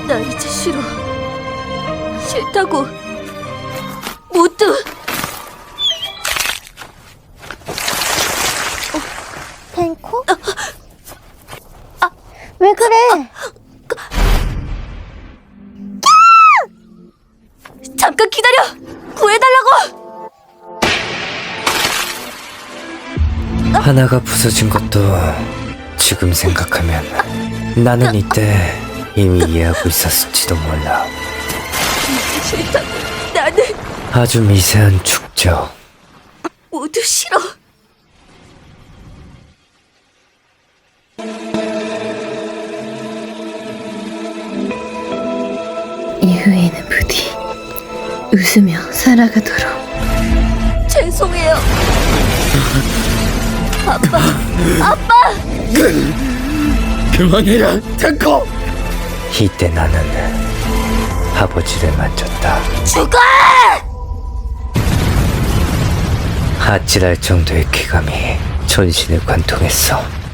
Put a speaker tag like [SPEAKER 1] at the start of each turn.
[SPEAKER 1] 나 이제 싫어. 싫다고. 모두.
[SPEAKER 2] 펜코? 왜 그래?
[SPEAKER 1] 잠깐 기다려! 구해달라고!
[SPEAKER 3] 하나가 부서진 것도 지금 생각하면 나는 이때 이미 이해하고 있었을지도 몰라.
[SPEAKER 1] 싫다고. 나는
[SPEAKER 3] 아주 미세한 축적.
[SPEAKER 1] 모두 싫어.
[SPEAKER 4] 이후에는 부디 웃으며 살아가도록.
[SPEAKER 1] 죄송해요. 아빠.
[SPEAKER 5] 그만해라, 탱커!
[SPEAKER 3] 이때 나는 아버지를 만졌다.
[SPEAKER 1] 죽어!
[SPEAKER 3] 아찔할 정도의 쾌감이 전신을 관통했어.